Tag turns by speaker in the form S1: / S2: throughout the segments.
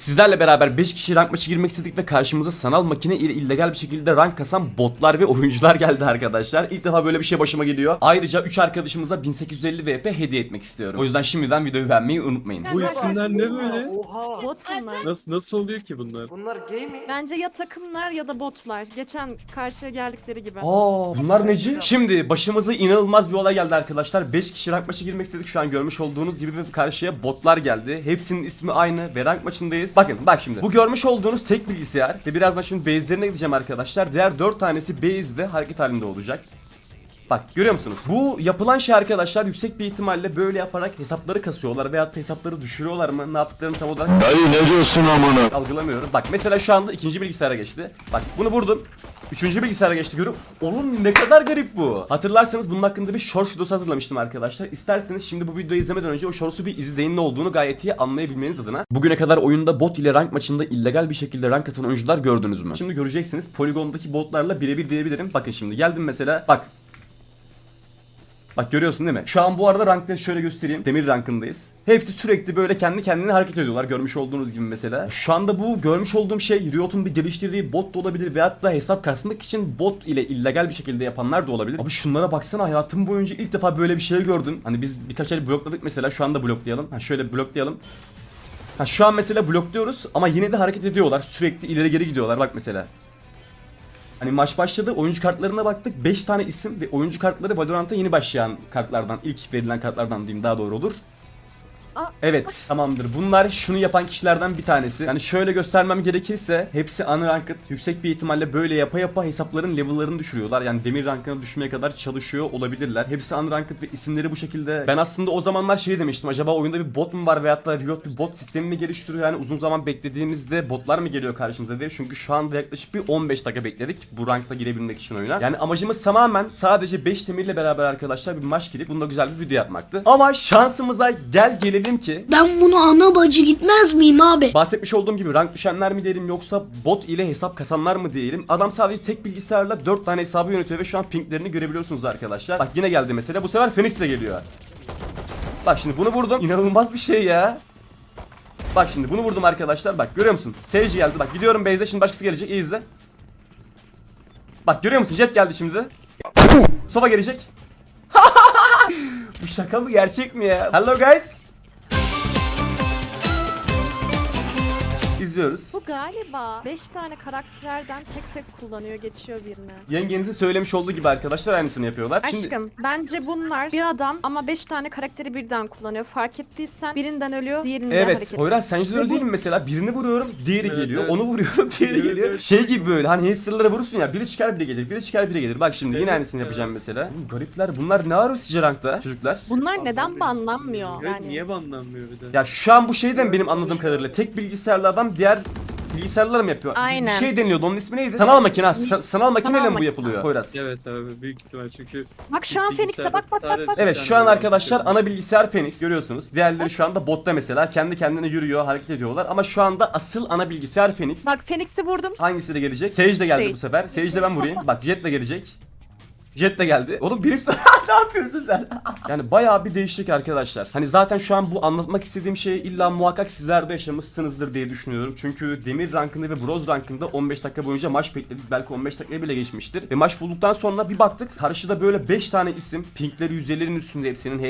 S1: Sizlerle beraber 5 kişi rank maçı girmek istedik ve karşımıza sanal makine ile illegal bir şekilde rank kasan botlar ve oyuncular geldi arkadaşlar. İlk defa böyle bir şey başıma geliyor. Ayrıca 3 arkadaşımıza 1850 VP hediye etmek istiyorum. O yüzden şimdiden videoyu beğenmeyi unutmayın.
S2: Bu isimler ne böyle?
S3: Oha.
S4: Bot bunlar.
S2: Nasıl oluyor ki bunlar?
S3: Bunlar gay mi?
S4: Bence ya takımlar ya da botlar. Geçen karşıya geldikleri gibi.
S1: Aa, bunlar neci? Şimdi başımıza inanılmaz bir olay geldi arkadaşlar. 5 kişi rank maçı girmek istedik. Şu an görmüş olduğunuz gibi karşıya botlar geldi. Hepsinin ismi aynı ve rank maçındayız. Bakın bak şimdi. Bu görmüş olduğunuz tek bilgisayar ve birazdan şimdi base'lerine gideceğim arkadaşlar. Diğer 4 tanesi base'de hareket halinde olacak. Bak görüyor musunuz? Bu yapılan şey arkadaşlar yüksek bir ihtimalle böyle yaparak hesapları kasıyorlar veyahut da hesapları düşürüyorlar mı? Ne yaptıklarını tam olarak
S5: Dayı ne diyorsun amına?
S1: algılamıyorum. Bak mesela şu anda ikinci bilgisayara geçti. Bak bunu vurdum. Üçüncü bilgisayara geçti görüp. Oğlum ne kadar garip bu. Hatırlarsanız bunun hakkında bir short videosu hazırlamıştım arkadaşlar. İsterseniz şimdi bu videoyu izlemeden önce o shorts'u bir izleyin, ne olduğunu gayet iyi anlayabilmeniz adına. Bugüne kadar oyunda bot ile rank maçında illegal bir şekilde rank atan oyuncular gördünüz mü? Şimdi göreceksiniz. Polygon'daki botlarla birebir diyebilirim. Bakın şimdi geldim mesela. Bak. Bak görüyorsun değil mi? Şu an bu arada rankta şöyle göstereyim. Demir rankındayız. Hepsi sürekli böyle kendi kendine hareket ediyorlar. Görmüş olduğunuz gibi mesela. Şu anda bu görmüş olduğum şey Riot'un bir geliştirdiği bot da olabilir. Veyahut da hesap kasmak için bot ile illegal bir şekilde yapanlar da olabilir. Abi şunlara baksana, hayatım boyunca ilk defa böyle bir şey gördüm. Hani biz birkaç el blokladık mesela. Şu anda bloklayalım. Ha şöyle bloklayalım. Ha şu an mesela blokluyoruz ama yine de hareket ediyorlar. Sürekli ileri geri gidiyorlar. Bak mesela. Hani maç başladı, oyuncu kartlarına baktık, 5 tane isim ve oyuncu kartları Valorant'a yeni başlayan kartlardan, ilk verilen kartlardan diyeyim daha doğru olur. Evet, tamamdır. Bunlar şunu yapan kişilerden bir tanesi. Yani şöyle göstermem gerekirse hepsi unranked. Yüksek bir ihtimalle böyle yapa yapa hesapların level'larını düşürüyorlar. Yani demir rankına düşmeye kadar çalışıyor olabilirler. Hepsi unranked ve isimleri bu şekilde. Ben aslında o zamanlar şey demiştim. Acaba oyunda bir bot mu var veyahut da Riot bir bot sistemi mi geliştiriyor? Yani uzun zaman beklediğimizde botlar mı geliyor karşımıza diye. Çünkü şu anda yaklaşık bir 15 dakika bekledik bu rankta girebilmek için oyuna. Yani amacımız tamamen sadece 5 demirle beraber arkadaşlar bir maç girip bunda güzel bir video yapmaktı. Ama şansımıza gelelim ki
S6: Ben bunu ana bacı gitmez miyim abi?
S1: bahsetmiş olduğum gibi rank düşenler mi diyelim yoksa bot ile hesap kasanlar mı diyelim. Adam sadece tek bilgisayarla 4 tane hesabı yönetiyor ve şu an pinklerini görebiliyorsunuz arkadaşlar. Bak yine geldi mesela, bu sefer Phoenix ile geliyor. Bak şimdi bunu vurdum, inanılmaz bir şey ya. Bak şimdi bunu vurdum arkadaşlar, bak görüyor musun? Sage geldi, bak gidiyorum base'e, şimdi başkası gelecek, iyi izle. Bak görüyor musun, Jet geldi şimdi. Sova gelecek. Bu şaka mı gerçek mi ya? Hello guys. İzliyoruz.
S4: Bu galiba 5 tane karakterden tek tek kullanıyor, geçiyor birine.
S1: Yengenizin söylemiş olduğu gibi arkadaşlar aynısını yapıyorlar.
S4: Aşkım bence bunlar bir adam ama 5 tane karakteri birden kullanıyor. Fark ettiysen birinden ölüyor, diğerinden
S1: Evet,
S4: hareket ediyor.
S1: Poyraz sence de öyle değil mi mesela? Birini vuruyorum, diğeri
S2: Evet,
S1: geliyor.
S2: evet.
S1: Onu vuruyorum, diğeri
S2: Evet,
S1: geliyor.
S2: evet.
S1: Şey gibi böyle hani hamsterlara vurursun ya, biri çıkar biri gelir, biri çıkar biri gelir. Bak şimdi yine
S2: Evet,
S1: aynısını yapacağım mesela. Garipler bunlar, ne arıyor sizce rankta çocuklar?
S4: Bunlar neden banlanmıyor?
S2: Evet,
S4: Yani
S2: niye banlanmıyor bir de?
S1: Ya şu an bu şeyden benim anladığım kadarıyla tek bilgisayarlı adam diğer bilgisayarlar mı yapıyor?
S4: Aynen.
S1: Bir şey deniliyordu, onun ismi neydi? Sanal makine. Sanal makineyle mi bu
S4: makine.
S1: yapılıyor Poyraz?
S2: Evet abi, büyük ihtimal çünkü
S4: bak şu an Phoenix'e bak.
S1: Evet şu an arkadaşlar ana bilgisayar Phoenix görüyorsunuz. Diğerleri şu anda botta mesela kendi kendine yürüyor, hareket ediyorlar ama şu anda asıl ana bilgisayar Phoenix.
S4: Bak Phoenix'i vurdum.
S1: Hangisi de gelecek? Sage de geldi
S4: Sage.
S1: bu sefer. Sage de ben vurayım. Bak Jet de gelecek. Jet de geldi. Oğlum benim ne yapıyorsun sen? Yani bayağı bir değişik arkadaşlar. Hani zaten şu an bu anlatmak istediğim şey illa muhakkak sizler de yaşamışsınızdır diye düşünüyorum. Çünkü demir rankında ve bronz rankında 15 dakika boyunca maç bekledik. Belki 15 dakikaya bile geçmiştir. Ve maç bulduktan sonra bir baktık. Karşıda böyle 5 tane isim. Pinkleri 150'lerin üstünde hepsinin.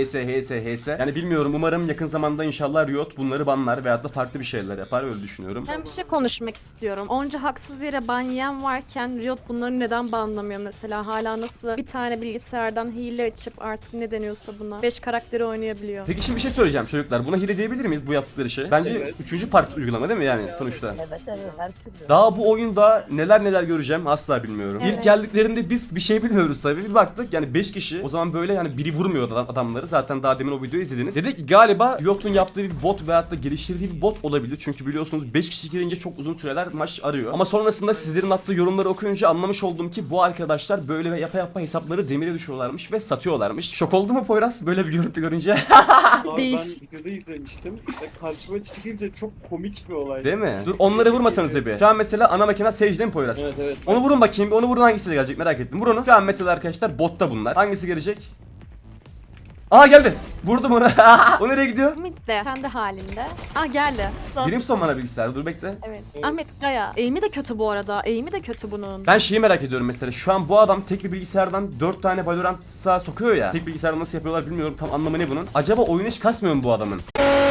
S1: HS. Yani bilmiyorum, umarım yakın zamanda inşallah Riot bunları banlar veyahut da farklı bir şeyler yapar, öyle düşünüyorum.
S4: Ben bir şey konuşmak istiyorum. Onca haksız yere ban yiyen varken Riot bunları neden banlamıyor mesela? Hala nasıl bir tane bilgisayardan hile açıp artık ne deniyorsa buna 5 karakteri oynayabiliyor.
S1: Peki şimdi bir şey söyleyeceğim çocuklar. Buna hile diyebilir miyiz bu yaptıkları şey? Bence
S2: Evet.
S1: 3. part uygulama değil mi yani sonuçta?
S7: Evet her türlü.
S1: Daha bu oyunda neler göreceğim asla bilmiyorum.
S4: Evet.
S1: İlk geldiklerinde biz bir şey bilmiyoruz tabii. Bir baktık yani 5 kişi. O zaman böyle yani biri vurmuyor adamları. Zaten daha demin o videoyu izlediniz. Dedik ki galiba Riot'un yaptığı bir bot veyahut da geliştirdiği bir bot olabilir. Çünkü biliyorsunuz 5 kişi girince çok uzun süreler maç arıyor. Ama sonrasında sizlerin attığı yorumları okuyunca anlamış oldum ki bu arkadaşlar böyle ve yapa hesapları demire düşüyorlarmış ve satıyorlarmış. Şok oldu mu Poyraz böyle bir görüntü görünce?
S2: abi
S4: Değiş.
S2: ben videoda izlemiştim ve karşıma çıkınca çok komik bir olay.
S1: Değil mi? Dur onları vurmasanız bir. Şu an mesela ana makine Sage değil mi Poyraz?
S2: Evet.
S1: Onu vurun bakayım. Onu vurun, hangisi de gelecek merak ettim. Vur onu. Şu an mesela arkadaşlar botta bunlar. Hangisi gelecek? Aa geldi. Vurdum onu. O nereye gidiyor?
S4: Ahmet de kendi halinde. Ah geldi.
S1: Brimstone bana bilgisayar. Dur bekle.
S4: Evet. Ahmet Gaya. Eğimi de kötü bu arada. Eğimi de kötü bunun.
S1: Ben şeyi merak ediyorum mesela. Şu an bu adam tek bir bilgisayardan 4 tane Valorant'a sokuyor ya. Tek bilgisayarda nasıl yapıyorlar bilmiyorum. Tam anlamı ne bunun? Acaba oyun hiç kasmıyor mu bu adamın?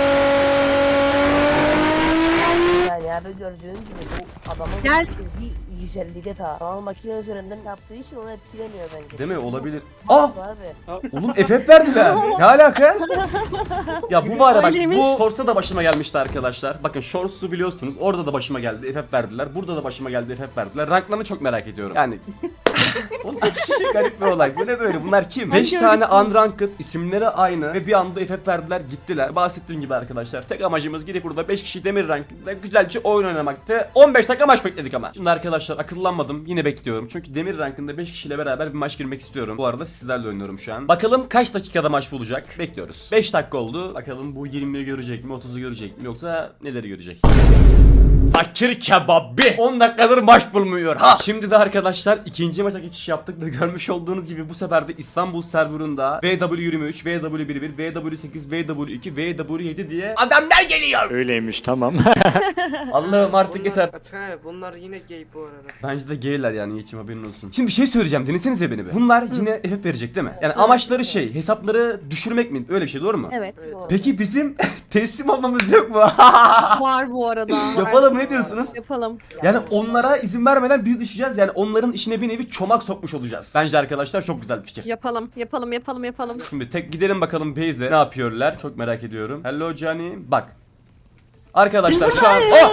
S3: Yani abi gördüğün gibi bu adamın
S4: Gel.
S3: bir güzelliğe ta. Ama makine üzerinden yaptığı için onu etkilemiyor bence.
S1: Değil mi? Olabilir. Ah!
S3: Abi.
S1: Oğlum FF verdiler. Ne alaka? Ya bu var ya bak,
S4: Öyleymiş.
S1: bu Shorts'a da başıma gelmişti arkadaşlar. Bakın Shorts'u biliyorsunuz. Orada da başıma geldi. FF verdiler. Burada da başıma geldi. FF verdiler. Ranklarını çok merak ediyorum. Yani oğlum garip bir olay. Bu ne böyle? Bunlar kim? 5 tane unranked, isimleri aynı ve bir anda FF verdiler, gittiler. Bahsettiğim gibi arkadaşlar. Tek amacımız gidip burada 5 kişi demir rankında güzelce oyun oynamaktı. 15 dakika maç bekledik ama. Şimdi arkadaşlar akıllanmadım. Yine bekliyorum. Çünkü demir rankında 5 kişiyle beraber bir maç girmek istiyorum. Bu arada sizlerle oynuyorum şu an. Bakalım kaç dakikada maç bulacak? Bekliyoruz. 5 dakika oldu. Bakalım bu 20'yi görecek mi? 30'u görecek mi? Yoksa neleri görecek? Fakir kebabı 10 dakikadır maç bulmuyor ha. Şimdi de arkadaşlar ikinci maça geçiş yaptık ve görmüş olduğunuz gibi bu sefer de İstanbul serverında VW23, VW11, VW8, VW2, VW7 diye adamlar geliyor.
S5: Öyleymiş tamam.
S1: Allah'ım artık yeter.
S2: Atay bunlar yine gay bu arada.
S1: Bence de gayler yani, geçim haberin olsun. Şimdi bir şey söyleyeceğim, dinlesenize beni be. Bunlar yine FF verecek değil mi? Yani amaçları şey, hesapları düşürmek mi? Öyle bir şey, doğru mu?
S4: Evet.
S2: Evet.
S1: Peki bizim teslim olmamız yok mu?
S4: Var bu arada. var.
S1: Yapalım, ne diyorsunuz?
S4: Yapalım.
S1: Yani onlara izin vermeden biz düşeceğiz. Yani onların işine bir nevi çomak sokmuş olacağız. Bence arkadaşlar çok güzel bir fikir.
S4: Yapalım. Yapalım. Yapalım. Yapalım.
S1: Şimdi tek gidelim bakalım base'de ne yapıyorlar. Çok merak ediyorum. Hello Johnny. Bak. Arkadaşlar şu an... Oh!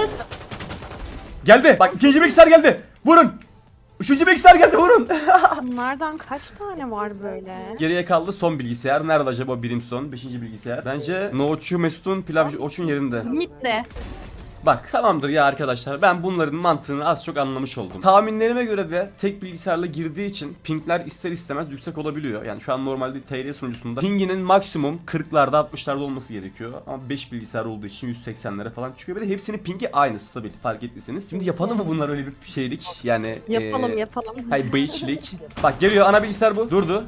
S1: Geldi. Bak ikinci bilgisayar geldi. Vurun. Üçüncü bilgisayar geldi, vurun.
S4: Bunlardan kaç tane var böyle?
S1: Geriye kaldı son bilgisayar. Nerede acaba Brimstone? 5. bilgisayar. Bence Noçu Mesut'un pilavcı Oç'un yerinde.
S4: Mitte.
S1: Bak tamamdır ya arkadaşlar, ben bunların mantığını az çok anlamış oldum. Tahminlerime göre de tek bilgisayarla girdiği için pingler ister istemez yüksek olabiliyor. Yani şu an normalde TR sunucusunda pinginin maksimum 40'larda 60'larda olması gerekiyor. Ama 5 bilgisayar olduğu için 180'lere falan çıkıyor. Bir de hepsinin pingi aynı, stabil, fark ettiyseniz. Şimdi yapalım mı bunlar öyle bir şeylik? Yani
S4: Yapalım. Yapalım.
S1: hayır, bayitçilik. Bak geliyor ana bilgisayar bu. Durdu.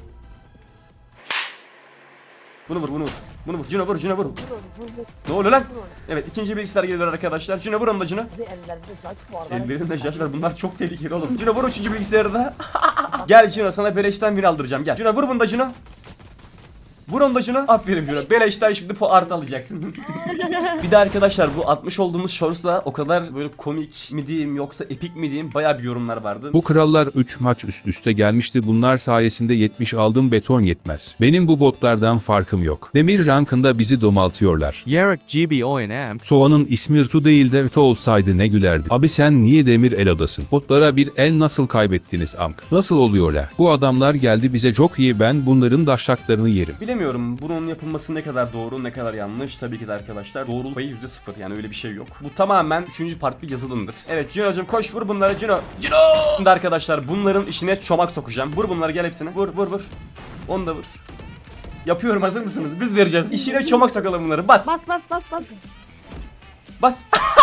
S1: Bunu vur, bunu vur. Bunu vur. Cino vur, Cino vur. Ne oluyor lan? Evet, ikinci bilgisayar geliyor arkadaşlar. Cino vur onu da Cino.
S3: Bir ellerinde saç var.
S1: Ellerinde şaş var. Bunlar çok tehlikeli oğlum. Cino vur üçüncü bilgisayarı da. Gel Cino, sana beleşten bir aldıracağım. Gel. Cino vur bunu da Cino. Vur onu da Cino. Aferin Cino. Beleşten şimdi artı alacaksın. Bir de arkadaşlar bu atmış olduğumuz shorts'la o kadar böyle komik mi diyeyim yoksa epik mi diyeyim bayağı bir yorumlar vardı.
S7: Bu krallar 3 maç üst üste gelmişti. Bunlar sayesinde 70 aldım, beton yetmez. Benim bu botlardan farkım yok. Demir rankında bizi domaltıyorlar.
S5: Yarık GB O&M.
S7: Soğanın ismi Rtu değil de Rtu olsaydı ne gülerdi. Abi sen niye demir el adasın? Botlara bir el nasıl kaybettiniz amk? Nasıl oluyor la? Bu adamlar geldi bize çok iyi, ben bunların daşaklarını yerim.
S1: Bilemiyorum bunun yapılması ne kadar doğru ne kadar yanlış, tabii ki de arkadaşlar doğruluk payı %0, yani öyle bir şey yok. Bu tamamen 3. part bir yazılımdır. Evet Cino'cum koş vur bunları Cino. Cino! Şimdi arkadaşlar bunların işine çomak sokacağım. Vur bunları, gel hepsine. Vur vur vur. Onu da vur. Yapıyorum, hazır mısınız? Biz vereceğiz. İşine çomak sokalım bunları. Bas.
S4: Bas bas bas bas.
S1: Bas.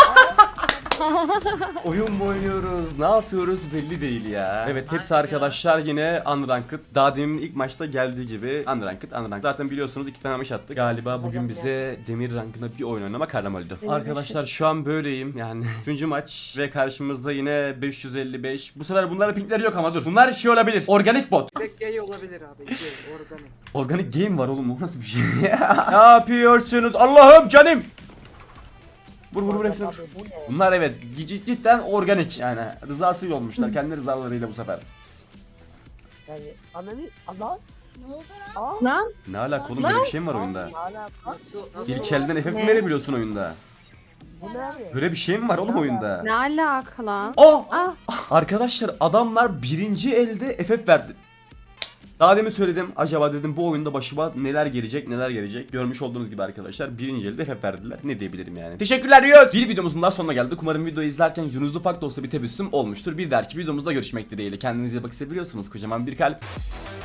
S1: Oyun mu oynuyoruz? Ne yapıyoruz belli değil ya. Evet, hepsi arkadaşlar yine unranked. Daha demin ilk maçta geldiği gibi unranked. Zaten biliyorsunuz 2 tane maç attık. Galiba bugün bize demir rankında bir oyun oynamak haram oldu. Arkadaşlar şu an böyleyim yani. 3. maç ve karşımızda yine 555. Bu sefer bunların pinkleri yok ama dur. Bunlar şey olabilir. Organik bot.
S2: Tek gay olabilir abi. Gay, organik.
S1: Organik game var oğlum, o nasıl bir şey? Ne yapıyorsunuz? Allah'ım canım. Vur vur vur hepsini vur.
S3: Abi bu ne?
S1: Bunlar evet cidden organik, yani rızası olmuşlar kendi rızalarıyla bu sefer.
S3: Yani ananı Allah.
S4: Lan.
S1: Ne alaka oğlum, böyle bir şey mi var oyunda?
S3: Hala
S2: Nasıl?
S1: İlk elden FF mi
S4: Ne?
S1: verebiliyorsun oyunda?
S3: bu ne abi?
S1: Böyle bir şey mi var oğlum oyunda?
S4: Ne alaka lan?
S1: Oh!
S4: Ah.
S1: Arkadaşlar adamlar birinci elde FF verdi. Daha demin söyledim, acaba dedim bu oyunda başıma neler gelecek. Görmüş olduğunuz gibi arkadaşlar birinci elde FF verdiler. Ne diyebilirim yani. Teşekkürler Riot. Bir videomuzun daha sonuna geldik. Umarım videoyu izlerken yüzünüzde ufak da olsa bir tebessüm olmuştur. Bir dahaki videomuzda görüşmek dileğiyle. Kendinize iyi bakın, seviyorsunuz. Kocaman bir kalp.